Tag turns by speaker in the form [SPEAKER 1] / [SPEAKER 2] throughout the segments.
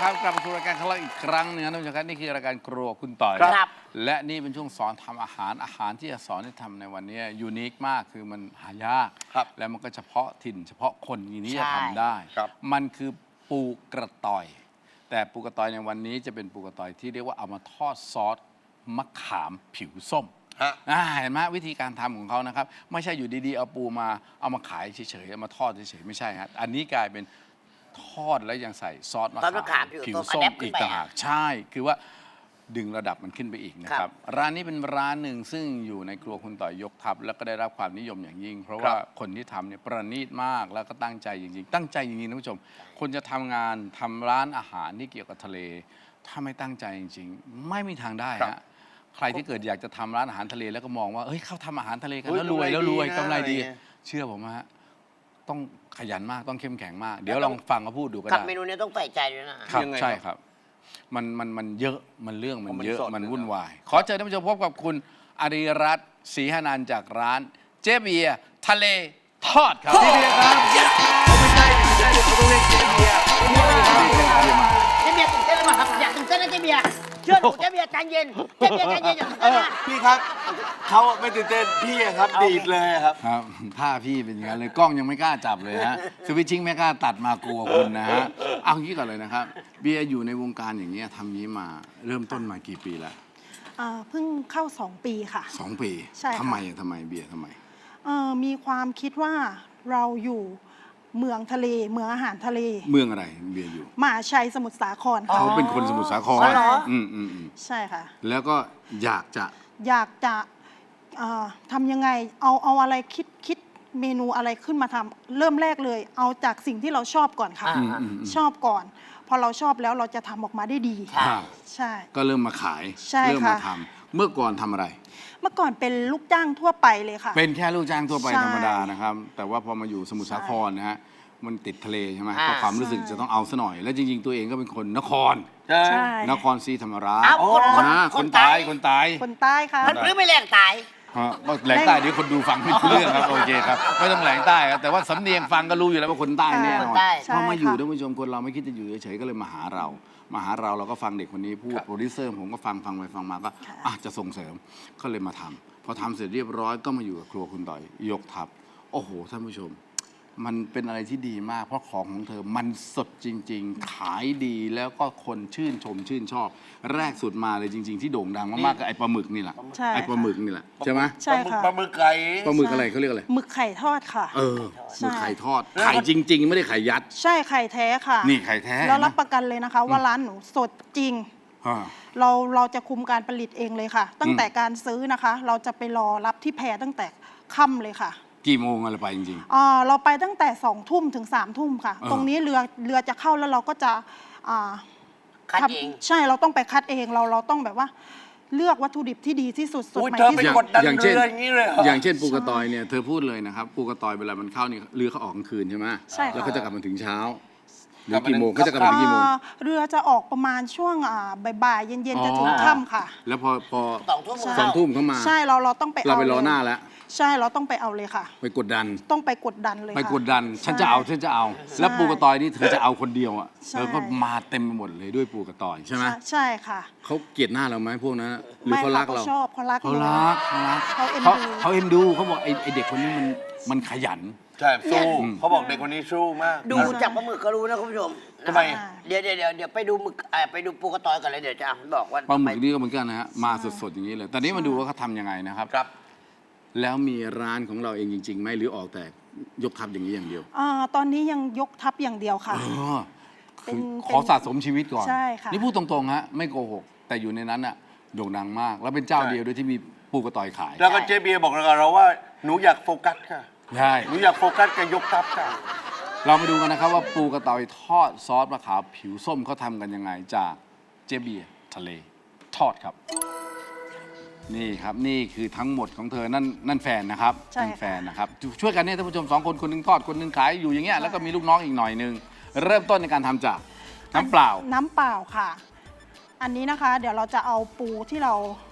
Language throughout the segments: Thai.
[SPEAKER 1] ครับกลับมาสู่รายการของเราอีกครั้งหนึงนะท่านผู้ชมครับนี่คือรายการครัวคุณต่อย
[SPEAKER 2] ครับ
[SPEAKER 1] และนี่เป็นช่วงสอนทำอาหารที่จะสอนให้ทำในวันนี้ยูนิคมากคือมันหายาก
[SPEAKER 2] ครับ
[SPEAKER 1] แล้วมันก็เฉพาะถิ่นเฉพาะคนอย่างนี้จะทำได้
[SPEAKER 2] ครับ
[SPEAKER 1] มันคือปูกระต่อย แต่ปูกระต่อยในวันนี้จะเป็นปูกระต่อยที่เรียกว่าเอามาทอดซอสมะขามผิวส้ม
[SPEAKER 2] ฮะ
[SPEAKER 1] เห็นไหมวิธีการทำของเขานะครับไม่ใช่อยู่ดีๆเอาปูมาเอามาขายเฉยๆเอามาทอดเฉยๆไม่ใช่ฮะอันนี้กลายเป็นทอดแล้วยังใส่ซอสมะ
[SPEAKER 3] ซอสมะ
[SPEAKER 1] ขา
[SPEAKER 3] ขาม
[SPEAKER 1] ม
[SPEAKER 3] ผิ
[SPEAKER 1] ผิ
[SPEAKER 3] ว
[SPEAKER 1] ว
[SPEAKER 3] ส้
[SPEAKER 1] ส้
[SPEAKER 3] ม
[SPEAKER 1] ม
[SPEAKER 3] อัดแอปขึ้
[SPEAKER 1] อี
[SPEAKER 3] น
[SPEAKER 1] ก
[SPEAKER 3] ไป
[SPEAKER 1] ต่างหากใช่คือว่าดึงระดับมันขึ้นไปอีกนะค
[SPEAKER 3] ครั
[SPEAKER 1] รับ
[SPEAKER 3] บ
[SPEAKER 1] ร้านนี้เป็นร้านหนึ่งซึ่งอยู่ในครัวคุณต่อยยกทัพแล้วก็ได้รับความนิยมอย่างยิ่ง เพราะว่าคนที่ทำเนี่ยประณีตมากแล้วก็ตั้งใจจริงๆตั้งใจจริงๆท่านผู้ชม คนจะทำงานทำร้านอาหารที่เกี่ยวกับทะเล ถ้าไม่ตั้งใจจริงๆ ไม่มีทางได้
[SPEAKER 2] ครั
[SPEAKER 1] ฮะ
[SPEAKER 2] บ
[SPEAKER 1] ใครที่เกิดอยากจะทำร้านอาหารทะเลแล้วก็มองว่าเฮ้ยเขาทำอาหารทะเลกัน
[SPEAKER 2] เฮ้ย
[SPEAKER 1] แล้วรวยแล้วรวย
[SPEAKER 2] กำ
[SPEAKER 1] กำ
[SPEAKER 2] ไร
[SPEAKER 1] ไร
[SPEAKER 2] ดี
[SPEAKER 1] ดี
[SPEAKER 2] นะ
[SPEAKER 1] เชื่อผมฮะต้องขยันมากต้องเข้มแข็งมาก เดี๋ยวลองฟังเขาพูดดูก็
[SPEAKER 3] กับ
[SPEAKER 1] ได้
[SPEAKER 3] เมนูนี้ต้องใส่ใจด้วยนะ
[SPEAKER 1] ครับ
[SPEAKER 2] ยังไง
[SPEAKER 1] ใช่
[SPEAKER 2] ครับ
[SPEAKER 1] ครับมันเยอะมันเรื่องมัน
[SPEAKER 2] มัน
[SPEAKER 1] เยอะ
[SPEAKER 2] สด
[SPEAKER 1] มัน
[SPEAKER 2] เลย
[SPEAKER 1] วุ่น
[SPEAKER 2] เนอะ
[SPEAKER 1] วาย ขอเชิญท่านผู้ชมพบกับคุณอารีรัตน์ศรีหนันท์จากร้านเจ๊เบียร์ทะเลทอดครับพี่เบียร์ครับ
[SPEAKER 2] ไม่ใช่เดี๋ยวเขาต้องเรียกเจ๊เบียร์
[SPEAKER 3] เจ๊เบียร์ตื่นเต้นหรือเปล่าครับอยากตื่นเต้นนะเจ๊เบียร์เชื่อหนูเจ๊เบียร์ใจเย็นเจ๊เบียร์ใจเย็นอย่าตื่นเต้นนะ
[SPEAKER 2] พี่ครับเขาไม่ตื่นเต้นพี่อะครับดีดเลยอะครับ
[SPEAKER 1] ครับท่าพี่เป็นอย่างนั้นเลยกล้องยังไม่กล้าจับเลยฮะสวิตชิ่งไม่กล้าตัดมากลัวคุณนะฮะเอางี้ก่อนเลยนะครับ เบียร์อยู่ในวงการอย่างนี้ยทำนี้มาเริ่มต้นมากี่ปีแล้ว
[SPEAKER 4] เพิ่งเข้า 2 ปีค่ะ
[SPEAKER 1] 2 ปี
[SPEAKER 4] ใช่ค่ะ
[SPEAKER 1] ทำไมเบียร์ทำไม
[SPEAKER 4] มีความคิดว่าเราอยู่เมืองทะเลเมืองอาหารทะเล
[SPEAKER 1] เมืองอะไรเบียร์อยู่
[SPEAKER 4] มหาชัยสมุทรสาครค่ะ
[SPEAKER 1] เขาเป็นคนสมุทรสาคร
[SPEAKER 3] อ๋อเหรอ
[SPEAKER 1] อืม
[SPEAKER 4] ใช่ค่ะ
[SPEAKER 1] แล้วก็อยากจะ
[SPEAKER 4] อยากจะทำยังไงเอาอะไรคิดเมนูอะไรขึ้นมาทำเริ่มแรกเลย เอาจากสิ่งที่เราชอบก่อนค่ะ ชอบก่อน พอเราชอบแล้วเราจะทำออกมาได้ดี
[SPEAKER 1] ครับ
[SPEAKER 4] ใช่
[SPEAKER 1] ก็เริ่มมาขาย
[SPEAKER 4] ใช่
[SPEAKER 1] เริ่มมา
[SPEAKER 4] ค่ะ
[SPEAKER 1] ทำเมื่อก่อนทำอะไร
[SPEAKER 4] เมื่อก่อนเป็นลูกจ้างทั่วไปเลยค่ะ
[SPEAKER 1] เป็นแค่ลูกจ้างทั่วไป
[SPEAKER 4] ใช่
[SPEAKER 1] ธรรมดานะครับ แต่ว่าพอมาอยู่สมุทรสาครนะฮะมันติดทะเลใช่ไหม
[SPEAKER 3] อ่า
[SPEAKER 1] ก็ความรู้สึกจะต้องเอาซะหน่อย แล้วจริง ๆ ตัวเองก็เป็นคนนคร
[SPEAKER 2] ใช่
[SPEAKER 4] ใช่
[SPEAKER 1] นครศรีธรรมราช
[SPEAKER 3] อ้าวคน
[SPEAKER 1] คนตาย
[SPEAKER 3] คนใต้
[SPEAKER 4] คนใต้ค่ะ
[SPEAKER 3] มันรื้อไม่แรงตาย
[SPEAKER 1] ฮะแหลงใต้เดี๋ยวคนดูฟังไม่รู้เรื่องครับโอเคครับไม่ต้องแหลงใต้ครับแต่ว่าสำเนียงฟังก็รู้อยู่แล้วว่าคนใต้แน่น
[SPEAKER 3] ค
[SPEAKER 1] อน
[SPEAKER 3] นใต้
[SPEAKER 1] พอมาอยู่
[SPEAKER 4] ใช่ค่ะ
[SPEAKER 1] ท่านผู้ชมคนเราไม่คิดจะอยู่เฉยๆก็เลยมาหาเราเราก็ฟังเด็กคนนี้พูดโปรดิวเซอร์ผมก็ฟังไปฟังมาก็จะส่งเสริมก็เลยมาทำพอทำเสร็จเรียบร้อยก็มาอยู่กับครัวคุณต่อยยกทัพโอ้โหท่านผู้ชม มันเป็นอะไรที่ดีมาก เพราะของของเธอมันสดจริง ๆ ขายดีแล้วก็คนชื่นชมชื่นชอบ แรกสุดมาเลยจริง ๆ ที่โด่งดังมากๆก็ไอ้ปลาหมึกนี่แหละ
[SPEAKER 4] ใช่
[SPEAKER 1] ไอ้ปลาหมึกนี่แหละใช่ไหม
[SPEAKER 4] ใช่ค่ะ
[SPEAKER 2] ปลาหมึกไก่
[SPEAKER 1] ปลาหมึกอะไรเขาเรียกอะไร
[SPEAKER 4] หมึกไข่ทอดค่ะ
[SPEAKER 1] หมึกไข่ทอดไข่จริง ๆ ไม่ได้ไข่ยัด
[SPEAKER 4] ใช่ไข่แท้ค่ะ
[SPEAKER 1] นี่ไข่แท้
[SPEAKER 4] แล้วรับประกันเลยนะคะ ว่าร้านหนูสดจริง
[SPEAKER 1] อ่า
[SPEAKER 4] เราจะคุมการผลิตเองเลยค่ะ ตั้งแต่การซื้อนะคะ เราจะไปรอรับที่แพตั้งแต่ค่ำเลยค่ะ
[SPEAKER 1] กี่โมงอะไรไปจริง
[SPEAKER 4] เราไปตั้งแต่2 ทุ่มถึง3 ทุ่มค่ะ ตรงนี้เรือจะเข้าแล้วเราก็จะอ่า
[SPEAKER 3] คัดเอง
[SPEAKER 4] ใช่เราต้องไปคัดเองเราต้องแบบว่าเลือกวัตถุดิบที่ดีที่สุดสด
[SPEAKER 2] อุ้ย
[SPEAKER 4] ใหม่
[SPEAKER 2] เธอ
[SPEAKER 4] ที่
[SPEAKER 2] ไป
[SPEAKER 4] สุด
[SPEAKER 2] กดดัน
[SPEAKER 1] อย่าง
[SPEAKER 2] เรื
[SPEAKER 1] เช่น
[SPEAKER 2] ออย่างนี้เลยเหรอ
[SPEAKER 1] อย่างเช่นปูกระตอยเนี่ยเธอพูดเลยนะครับปูกระตอยเวลามันเข้านี่เรือเขาออกกลางคืนใช่ไหม
[SPEAKER 4] ใช่ค่ะ
[SPEAKER 1] แล้วเขาจะกลับมาถึงเช้าหรือกี่โมงเขาจะกลับมาถึงกี่โมง
[SPEAKER 4] เรือจะออกประมาณช่วงบ่ายๆเย็นๆจะถึงค่ำค่ะ
[SPEAKER 1] แล้วพอ
[SPEAKER 3] 2 ทุ่ม
[SPEAKER 4] ใช่
[SPEAKER 1] สองทุ่มเขามา
[SPEAKER 4] ใช่เราต้องไป
[SPEAKER 1] เราไปรอ
[SPEAKER 4] ลย
[SPEAKER 1] หน้าแล้ว
[SPEAKER 4] ใช่เราต้องไปเอาเลยค่ะ
[SPEAKER 1] ไปกดดัน
[SPEAKER 4] ต้องไปกดดันเลย
[SPEAKER 1] ไป
[SPEAKER 4] ค่ะ
[SPEAKER 1] กดดัน ฉันจะเอา แล้วปูกระตอยนี่เธอจะเอาคนเดียวอ่ะ
[SPEAKER 4] ใช่
[SPEAKER 1] เธอก็มาเต็มไปหมดเลยด้วยปูกระตอยใช่ไหม
[SPEAKER 4] ใช่ค่ะ
[SPEAKER 1] เขาเกลียดหน้าเราไหมพวกนั้นหรือ
[SPEAKER 4] ไม่
[SPEAKER 1] เขารักเรา
[SPEAKER 4] ชอบเขารัก
[SPEAKER 1] เขารัก
[SPEAKER 4] เขาเอ็นดู
[SPEAKER 1] เขาบอกไอเด็กคนนี้มันขยัน
[SPEAKER 2] ใช่สู้เขาบอกเด็กคนนี้สู้มาก
[SPEAKER 3] ดูจากปลาหมึกก็รู้นะคุณผู้ชม
[SPEAKER 2] ทำไม
[SPEAKER 3] เดี๋ยวไปดูหมึกไปดูปูกระตอยก่อนเลยเดี๋ยวจะบอกว่า
[SPEAKER 1] ปลาหมึกนี่ก็เหมือนกันนะฮะมาสดๆอย่างนี้เลยแต่นี้มาดูว่าเขาทำยังไงนะครับ
[SPEAKER 2] ครับ
[SPEAKER 1] แล้วมีร้านของเราเองจริงๆไหมหรือออกแต่ยกทัพอย่างนี้อย่างเดียว
[SPEAKER 4] ตอนนี้ยังยกทัพอย่างเดียวค่ะ
[SPEAKER 1] คือ
[SPEAKER 4] เป็น
[SPEAKER 1] ขอสะสมชีวิตก่อน
[SPEAKER 4] ใช่ค่ะ
[SPEAKER 1] นี่พูดตรงๆฮะไม่โกหกแต่อยู่ในนั้นอะโด่งดังมาก แล้วเป็นเจ้า
[SPEAKER 2] ใช่
[SPEAKER 1] เดียวด้วยที่มีปูกระต่อยขาย
[SPEAKER 2] แล้วก็เจเบียร์บอกกับเราว่าหนูอยากโฟกัสค่ะ
[SPEAKER 1] ใช่
[SPEAKER 2] หนูอยากโฟกัสกับยกทัพค่ะ
[SPEAKER 1] เรามาดูกันนะครับว่าปูกระต่อยทอดซอสมะขามผิวส้มเขาทำกันยังไงจากเจเบียร์ทะเลทอดครับ นี่ครับนี่คือทั้งหมดของเธอนั่นแฟนนะครับ
[SPEAKER 4] ใช่
[SPEAKER 1] นั่นแฟนนะครับช่วยกันเนี่ยท่านผู้ชม2 คนคนหนึงทอดคนหนึงขายอยู่อย่างเงี้ยแล้วก็มีลูกน้องอีกหน่อยนึงเริ่มต้นในการทำจากน้ำเปล่า
[SPEAKER 4] น้ำเปล่าค่ะ อันนี้นะคะ เดี๋ยวเราจะเอาปูที่เรา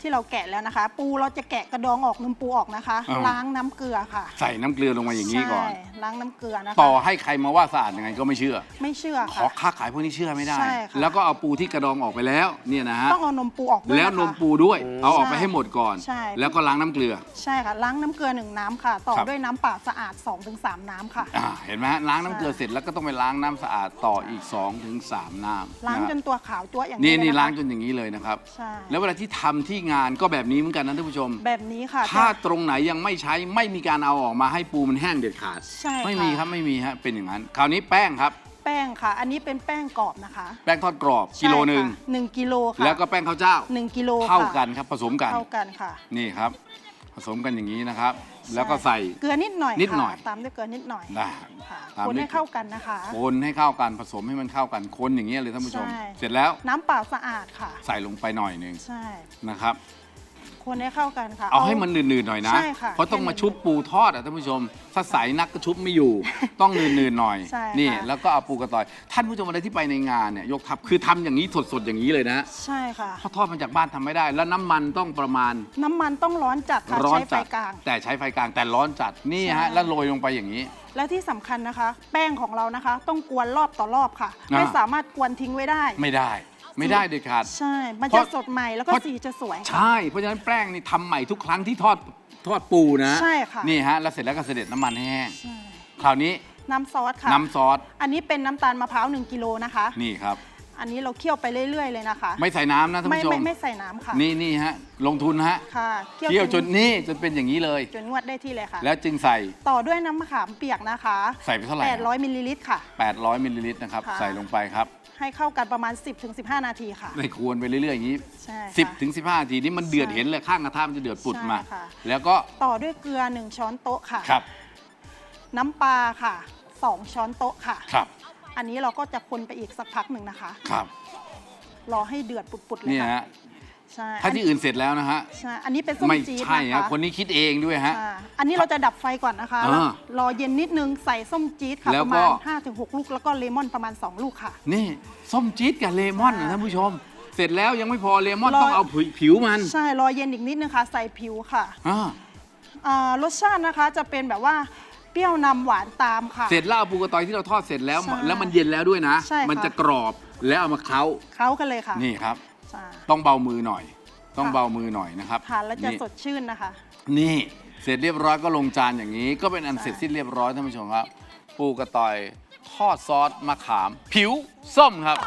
[SPEAKER 4] ที่เราแกะแล้วนะคะ ปูเราจะแกะกระดองออกนมปูออกนะคะ
[SPEAKER 1] อ่า
[SPEAKER 4] ล้างน้ำเกลือค่ะ
[SPEAKER 1] ใส่น้ำเกลือลงมาอย่างนี้ก่อน
[SPEAKER 4] ใช่ล้างน้ำเกลือนะคะ
[SPEAKER 1] ต่อให้ใครมาว่าสะอาดยังไงก็ไม่เชื่อ
[SPEAKER 4] ไม่เชื่อ
[SPEAKER 1] ขอ
[SPEAKER 4] ค่ะ
[SPEAKER 1] ค้าขายพวกนี้เชื่อไม่ได้
[SPEAKER 4] ใช่ค่ะ
[SPEAKER 1] แล้วก็เอาปูที่กระดองออกไปแล้วเนี่ยนะฮะ
[SPEAKER 4] ต้องเอานมปูออกด้วย
[SPEAKER 1] แล้ว
[SPEAKER 4] นะคะ
[SPEAKER 1] นมปูด้วย เอาออกไปให้หมดก่อน
[SPEAKER 4] ใช่
[SPEAKER 1] แล้วก็ล้างน้ำเกลือ
[SPEAKER 4] ใช่ค่ะล้างน้ำเกลือ1น้ำค่ะ ต่อ
[SPEAKER 1] ครับ
[SPEAKER 4] ด้วยน้ำเปล่าสะอาด 2-3 น้ำค่ะ
[SPEAKER 1] เห็นไหมฮะล้างน้ำเกลือเสร็จแล้วก็ต้องไปล้างน้ำสะอาดต่ออีก 2-3 น้ำ
[SPEAKER 4] ล้าง
[SPEAKER 1] ะ
[SPEAKER 4] จนตัวขาวตัวอย่าง
[SPEAKER 1] นี่
[SPEAKER 4] เลย
[SPEAKER 1] นี่
[SPEAKER 4] นะคะ
[SPEAKER 1] ล้างจนอย่างนี้เลยนะครับ
[SPEAKER 4] ใช่
[SPEAKER 1] แล้วเวลาที่ทำที่งานก็แบบนี้เหมือนกันนะท่านผู้ชม
[SPEAKER 4] แบบนี้ค่ะ
[SPEAKER 1] ถ้าตรงไหนยังไม่ใช้ไม่มีการเอาออกมาให้ปูมันแห้งเด็ดขาด
[SPEAKER 4] ใช่ค่ะ
[SPEAKER 1] ไม่มีครับไม่มีฮะเป็นอย่างนั้น คราวนี้แป้งครับ
[SPEAKER 4] แป้งค่ะ อันนี้เป็นแป้งกรอบนะคะ
[SPEAKER 1] แป้งทอดกรอบกิโลหนึ่ง
[SPEAKER 4] ใช่ค่ะ1 กิโลค่ะ
[SPEAKER 1] แล้วก็แป้งข้าวเจ้า
[SPEAKER 4] 1 กิโลค่ะ
[SPEAKER 1] เท่ากันครับผสมกัน
[SPEAKER 4] เท่ากันค่ะ
[SPEAKER 1] นี่ครับ ผสมกันอย่างนี้นะครับ แล้วก็ใส่
[SPEAKER 4] เกลือนิดหน่อย
[SPEAKER 1] นิดหน่อย
[SPEAKER 4] ค่ะตามด้วยเกลือนิดหน่อย
[SPEAKER 1] ได้
[SPEAKER 4] ค่ะ
[SPEAKER 1] ตาม
[SPEAKER 4] คน
[SPEAKER 1] ด้วย
[SPEAKER 4] ให้เข้ากันนะคะ
[SPEAKER 1] คนให้เข้ากันผสมให้มันเข้ากันคนอย่างนี้ยเลยท่านผู้ชม
[SPEAKER 4] ใช่
[SPEAKER 1] เสร็จแล้ว
[SPEAKER 4] น้ำเปล่าสะอาดค่ะ
[SPEAKER 1] ใส่ลงไปหน่อยหนึ่ง
[SPEAKER 4] ใช่
[SPEAKER 1] นะครับ
[SPEAKER 4] คนให้เข้ากันค่ะ
[SPEAKER 1] เอาให้มันหนืดๆหน่อยนะ
[SPEAKER 4] ใช่ค่ะ
[SPEAKER 1] เพราะต้องมา
[SPEAKER 4] แค่
[SPEAKER 1] ชุบปูทอดอ่ะท่านผู้ชม ถ้าใสนักก็ชุบไม่อยู่ ต้องหนืดๆหน่อย
[SPEAKER 4] ใช่
[SPEAKER 1] นี่
[SPEAKER 4] ค่ะ
[SPEAKER 1] แล้วก็เอาปูกระต่อย ท่านผู้ชมอะไรที่ไปในงานเนี่ยยกทัพคือทำอย่างนี้สดๆอย่างนี้เลยนะ
[SPEAKER 4] ใช่ค่ะ
[SPEAKER 1] เพราะทอดมาจากบ้านทำไม่ได้ แล้วน้ำมันต้องประมาณ
[SPEAKER 4] น้ำมันต้องร้อนจัดค่ะ
[SPEAKER 1] ร้อน
[SPEAKER 4] ใช้ไฟ
[SPEAKER 1] จัด
[SPEAKER 4] กลาง
[SPEAKER 1] แต่ใช้ไฟกลางแต่ร้อนจัดนี่
[SPEAKER 4] ใช่
[SPEAKER 1] ฮะแล้วโรยลงไปอย่างนี้
[SPEAKER 4] แล้วที่สำคัญนะคะ แป้งของเรานะคะ ต้องกวนรอบต่อรอบค่ะ
[SPEAKER 1] อ่า
[SPEAKER 4] ไม่สามารถกวนทิ้งไว้ได้
[SPEAKER 1] ไม่ได้เด็ดขาด
[SPEAKER 4] ใช่ มัน
[SPEAKER 1] เพ
[SPEAKER 4] จะ
[SPEAKER 1] ราะ
[SPEAKER 4] สดใหม่แล้วก็
[SPEAKER 1] เพราะ
[SPEAKER 4] สีจะสวยค่ะ
[SPEAKER 1] ใช่ เพราะฉะนั้นแป้งนี่ทำใหม่ทุกครั้งที่ทอดปูนะ
[SPEAKER 4] ใช่ค่ะ
[SPEAKER 1] นี่ฮะแล้วเสร็จแล้วก็เสด็จน้ำมันให้แห้ง
[SPEAKER 4] ใช่
[SPEAKER 1] คราวนี้
[SPEAKER 4] น้ำซอสค่ะ
[SPEAKER 1] น้ำซอส
[SPEAKER 4] อันนี้เป็นน้ำตาลมะพร้าว1 กิโลนะคะ
[SPEAKER 1] นี่ครับ
[SPEAKER 4] อันนี้เราเคี่ยวไปเรื่อยๆเลยนะคะ
[SPEAKER 1] ไม่ใส่น้ำนะท่าน
[SPEAKER 4] ไม่
[SPEAKER 1] ผู้ชม
[SPEAKER 4] ไม่ใส่น้ำค่ะ
[SPEAKER 1] นี่ฮะลงทุนฮะ
[SPEAKER 4] ค่ะ
[SPEAKER 1] เคี่ยวจนนี่จนเป็นอย่างนี้เลย
[SPEAKER 4] จนงวดได้ที่เลยค่ะ
[SPEAKER 1] แล้วจึงใส่
[SPEAKER 4] ต่อด้วยน้ำมะขามเปียกนะคะ
[SPEAKER 1] ใส่ไปเท่าไหร่
[SPEAKER 4] 800มิลลิลิตรค่ะ
[SPEAKER 1] 800มิลลิลิตรนะครับ
[SPEAKER 4] ค่ะ
[SPEAKER 1] ใส่ลงไปครับ
[SPEAKER 4] ให้เข้ากันประมาณ 10-15 นาทีค่ะ
[SPEAKER 1] ในควรไปเรื่อยๆอย่างนี้
[SPEAKER 4] ใช่ค่ะ
[SPEAKER 1] 10 ถึง 15 นาทีนี่มันเดือด
[SPEAKER 4] ใช่
[SPEAKER 1] เห็นเลยข้างกระทะมันจะเดือดปุดมา
[SPEAKER 4] ใช่ค่ะ
[SPEAKER 1] แล้วก็
[SPEAKER 4] ต่อด้วยเกลือ1 ช้อนโต๊ะค่ะ
[SPEAKER 1] ครับ
[SPEAKER 4] น้ำปลาค่ะ2 ช้อนโต๊ะค่ะ
[SPEAKER 1] ครับ
[SPEAKER 4] อันนี้เราก็จะคนไปอีกสักพักหนึ่งนะคะ
[SPEAKER 1] ครับ
[SPEAKER 4] รอให้เดือดปุดๆเลย
[SPEAKER 1] เนี่ย
[SPEAKER 4] ค่ะ
[SPEAKER 1] ฮะ
[SPEAKER 4] ใช่
[SPEAKER 1] ถ้าที่อื่นเสร็จแล้วนะฮะ
[SPEAKER 4] ใช่ อันนี้เป็นส้ม
[SPEAKER 1] ไม่
[SPEAKER 4] จี๊ด
[SPEAKER 1] ใช่
[SPEAKER 4] นะ
[SPEAKER 1] ฮะ
[SPEAKER 4] คะ
[SPEAKER 1] คนนี้คิดเองด้วยฮะ
[SPEAKER 4] อ่าอันนี้เราจะดับไฟก่อนนะคะ
[SPEAKER 1] อ่า
[SPEAKER 4] แล้วรอเย็นนิดนึงใส่ส้มจี๊ดค่ะ
[SPEAKER 1] แล้
[SPEAKER 4] ป
[SPEAKER 1] ว
[SPEAKER 4] ระ
[SPEAKER 1] ก็
[SPEAKER 4] มาณ 5-6 ลูก แล้วก็เลมอนประมาณ 2 ลูกค่ะ
[SPEAKER 1] นี่ส้มจี๊ดกับเลมอนนะท่านผู้ชม เสร็จแล้วยังไม่พอเลมอนต้องเอาผิวมัน
[SPEAKER 4] ใช่ รอเย็นอีกนิดนึงค่ะ ใส่ผิวค่ะ
[SPEAKER 1] อ่า
[SPEAKER 4] รสชาตินะคะจะเป็นแบบว่าเปรี้ยวนำหวานตามค่ะ
[SPEAKER 1] เสร็จแล้วเอาปูกระตอยที่เราทอดเสร็จแล้ว
[SPEAKER 4] ใช่
[SPEAKER 1] แล้วมันเย็นแล้วด้วยนะ
[SPEAKER 4] ใช่ค่ะ
[SPEAKER 1] มันจะกรอบแล้วเอามาเคล้า
[SPEAKER 4] เข้ากันเลยค่ะ
[SPEAKER 1] นี่ครับ
[SPEAKER 4] ใช่
[SPEAKER 1] ต้องเบามือหน่อย ต้อง
[SPEAKER 4] ค่ะ
[SPEAKER 1] เบามือหน่อยนะครับ
[SPEAKER 4] ทานแล้วจะ
[SPEAKER 1] นี่
[SPEAKER 4] สดชื่นนะคะ
[SPEAKER 1] นี่เสร็จเรียบร้อยก็ลงจานอย่างนี้ ก็เป็นอัน
[SPEAKER 4] ใช่
[SPEAKER 1] เสร็จสิ้นเรียบร้อยท่านผู้ชมครับ ปูกระตอยทอดซอสมะขาม ผิวส้มครับ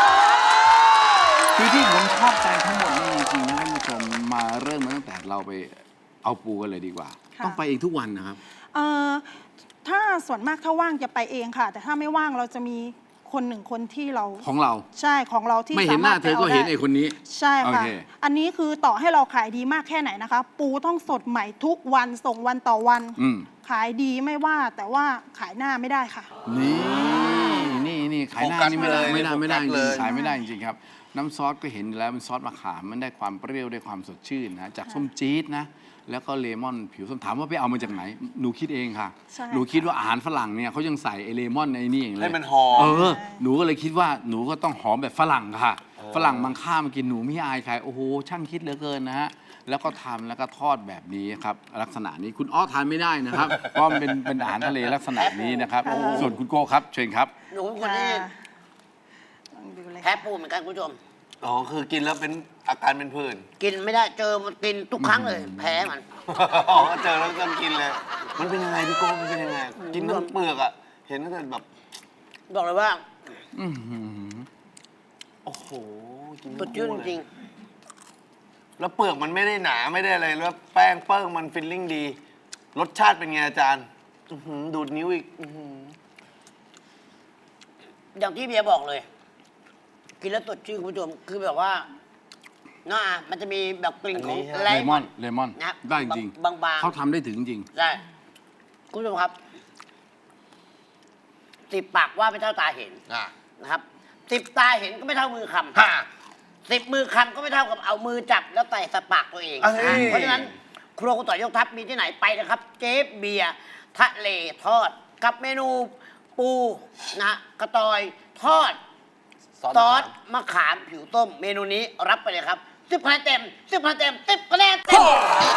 [SPEAKER 1] คือที่ผมชอบใจทั้งหมดนี่จริงๆนะท่านผู้ชมมาเริ่มมาตั้งแต่เราไปเอาปูกันเลยดีกว่า
[SPEAKER 4] ค่ะ
[SPEAKER 1] ต้องไปเองทุกวันนะครับ
[SPEAKER 4] เอ่อถ้าส่วนมากถ้าว่างจะไปเองค่ะ แต่ถ้าไม่ว่างเราจะมีคนหนึ่งคนที่เรา
[SPEAKER 1] ของเรา
[SPEAKER 4] ใช่ของเราที่
[SPEAKER 1] ไม่เห็นหน้า
[SPEAKER 4] สมรถ
[SPEAKER 1] เธอก็
[SPEAKER 4] ป
[SPEAKER 1] เห็น
[SPEAKER 4] ได้
[SPEAKER 1] ไอ้คนนี้
[SPEAKER 4] ใช่ค่ะ
[SPEAKER 1] โอเค
[SPEAKER 4] อันนี้คือต่อให้เราขายดีมากแค่ไหนนะคะ ปูต้องสดใหม่ทุกวันส่งวันต่อวัน
[SPEAKER 1] อืม
[SPEAKER 4] ขายดีไม่ว่าแต่ว่าขายหน้าไม่ได้ค่ะ
[SPEAKER 1] นี่ขายหน้า
[SPEAKER 2] โฟกัส
[SPEAKER 1] นี่ไม่ได้
[SPEAKER 2] เลย
[SPEAKER 1] ไม่ได้ไม่ได้จ
[SPEAKER 2] โฟกัสเล
[SPEAKER 1] ริง
[SPEAKER 2] ย
[SPEAKER 1] ๆขายไม่ได้จริงๆครับ น้ำซอสก็เห็นอยู่แล้วเป็นซอสมะขามมันได้ความเปรี้ยวได้ความสดชื่นนะจากส้มจี๊ดนะ แล้วก็เลมอนผิวส้มถามว่าไปเอามาจากไหน หนูคิดเองค่ะ
[SPEAKER 4] ใช่
[SPEAKER 1] หนูคิดว่าอาหารฝรั่งเนี่ยเขายังใส่ไอเลมอนไอ้นี่เองเลย
[SPEAKER 2] ให้มันหอม
[SPEAKER 1] หนูก็เลยคิดว่าหนูก็ต้องหอมแบบฝรั่งค่ะ ฝรั่งบางข้ามากินหนูไม่อายใครโอ้โหช่างคิดเหลือเกินนะฮะแล้วก็ทำแล้วก็ทอดแบบนี้ครับลักษณะนี้คุณอ้อทานไม่ได้นะครับ เพราะมันเป็นอาหารทะเลลักษณะนี้นะครับ ส่วนคุณโก้ครับเชิญครับ
[SPEAKER 3] หนูเป็นคนที่
[SPEAKER 4] ลองดูเลย
[SPEAKER 3] แพ้ปูเหมือนกันคุณผู้ชม
[SPEAKER 2] อ๋อคือกินแล้วเป็นอาการเป็นผื่น
[SPEAKER 3] กินไม่ได้เจอมันกินทุกครั้งเลย แพ้มัน
[SPEAKER 2] อ๋อเจอแล้วต้องกินเลย มันเป็นยังไงพี่โก้มันเป็นยังไง กินทั้งเปลือกอ่ะ เห็นตั้งแต่แบบ
[SPEAKER 3] บอกเลยว่า
[SPEAKER 1] อื้อหือ
[SPEAKER 2] โอ้โห กิน
[SPEAKER 3] สดชื่นจริง
[SPEAKER 2] แล้วเปลือกมันไม่ได้หนาไม่ได้อะไร แล้วแป้งเปิ้งมันฟิลลิ่งดี รสชาติเป็นไงอาจารย์อื้อหือดูดนิ้วอีกอื้อหือ
[SPEAKER 3] ๆอย่างที่เบียร์บอกเลย กินแล้วสดชื่นคุณผู้ชมคือแบบว่าน่ามันจะมีแบบกลิ่นของ
[SPEAKER 1] เลมอนเลมอน
[SPEAKER 3] นะ
[SPEAKER 1] ได้จริง
[SPEAKER 3] บางๆ
[SPEAKER 1] เขาทำได้ถึงจริง
[SPEAKER 3] ใช่คุณผู้ชมครับสิบปากว่าไม่เท่าตาเห็น
[SPEAKER 2] อ่ะ
[SPEAKER 3] นะครับสิบตาเห็นก็ไม่เท่ามือค
[SPEAKER 2] ฮะ
[SPEAKER 3] ำ10 มือคำก็ไม่เท่ากับเอามือจับแล้วใส่สปากตัวเอง
[SPEAKER 2] เอ้ย
[SPEAKER 3] เพราะฉะนั้น ครัวคุณต่อยยกทัพมีที่ไหนไปนะครับ เจ๊เบียร์ทะเลทอด กับเมนูปูนะฮะกระตอยทอด ซอสมะขามผิวต้ม เมนูนี้รับไปเลยครับ 10 คะแนนเต็ม 10 คะแนนเต็ม 10 คะแนนเต็ม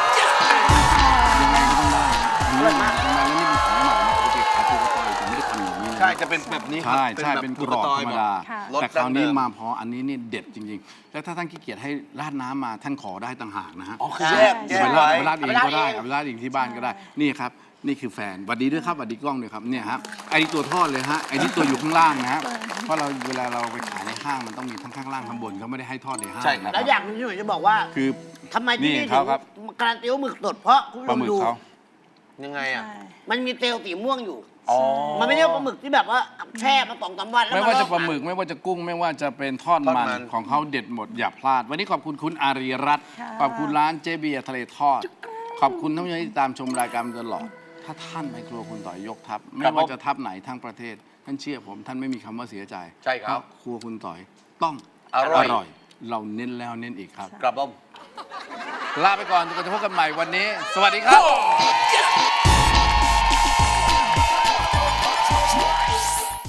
[SPEAKER 1] อร่อยมากแล้วนี่เป็นของใหม่นะปกติขายปูกระต่อยจะไม่ได้ทำอย่างนี้นะ
[SPEAKER 2] ใช่จะเป็นแบบนี้ครับ
[SPEAKER 1] ใช่เป็นกรอบธรรมดา
[SPEAKER 4] ค่ะ
[SPEAKER 1] แต่คราวนี้
[SPEAKER 2] รสดั้งเดิม
[SPEAKER 1] มาพออันนี้นี่เด็ดจริงๆ แล้วถ้าท่านขี้เกียจให้ราดน้ำมาท่านขอได้ต่างหากนะฮะ
[SPEAKER 2] อ๋อคือแยก
[SPEAKER 4] ใช่
[SPEAKER 1] เอา
[SPEAKER 2] ไว้
[SPEAKER 1] ไปราดเองก็ได้
[SPEAKER 3] เอา
[SPEAKER 1] เอา
[SPEAKER 3] ไป
[SPEAKER 1] ไป
[SPEAKER 3] รา
[SPEAKER 1] รา
[SPEAKER 3] ด
[SPEAKER 1] ด
[SPEAKER 3] เอ
[SPEAKER 1] เอง งที่บ้านก็ได้ นี่ครับ นี่คือแฟนหวัดดีด้วยครับหวัดดีกล้องด้วยครับเนี่ยครับไอ้นี่ตัวทอดเลยฮะไอ้นี่ตัวอยู่ข้างล่างนะฮะเพราะเราเวลาเราไปขายในห้างมันต้องมีทั้งข้างล่างข้างบนเขาไม่ได้ให้ทอดในห้าง
[SPEAKER 2] ใช่ครับ
[SPEAKER 1] นะ
[SPEAKER 3] แล้วอย่างหนึงที่หนูจะบอกว่า
[SPEAKER 1] คือ
[SPEAKER 3] ทำไมที่นี่
[SPEAKER 1] นี่
[SPEAKER 3] ถึ
[SPEAKER 1] เขา
[SPEAKER 3] ง
[SPEAKER 1] ครับ
[SPEAKER 3] การันตีว่าหมึกสดเพราะคุณ
[SPEAKER 1] ปลาหมึก
[SPEAKER 3] ดู
[SPEAKER 1] เขา
[SPEAKER 2] ยังไงอ่ะ
[SPEAKER 4] ใช่
[SPEAKER 3] มันมีเซลล์สีม่วงอยู่
[SPEAKER 2] อ๋อ
[SPEAKER 3] มันไม่ใช่ปลาหมึกที่แบบว่าแช่มา2-3 วันแล้ว
[SPEAKER 1] ไม่ว่าจะ
[SPEAKER 3] ลอก
[SPEAKER 1] ปลาหมึกไม่ว่าจะกุ้งไม่ว่าจะเป็นทอด
[SPEAKER 2] ทอด
[SPEAKER 1] มั
[SPEAKER 2] มัน น
[SPEAKER 1] ของเขาเด็ดหมดอย่าพลาด วันนี้ขอบคุณคุณอารีรัตน์
[SPEAKER 4] ค่ะ
[SPEAKER 1] ขอบคุณร้านเจเบียร์ทะเลทอด ขอบคุณท่านผู้ชมที่ตามชมรายการมาตลอด ถ้าท่านไปครัวคุณต่อยยกทัพไม่ว่าจะทัพไหนทั้งประเทศ ท่านเชื่อผมท่านไม่มีคำว่าเสียใจ
[SPEAKER 2] ใช่ครับ
[SPEAKER 1] เพาะครัวคุณต่อยต้อง
[SPEAKER 2] อร่อย
[SPEAKER 1] เราเน้นแล้วเน้นอีกครับ
[SPEAKER 2] กลับบ้อม
[SPEAKER 1] ลาไปก่อนจนกว่าจะพบกันใหม่วันนี้ สวัสดีครับ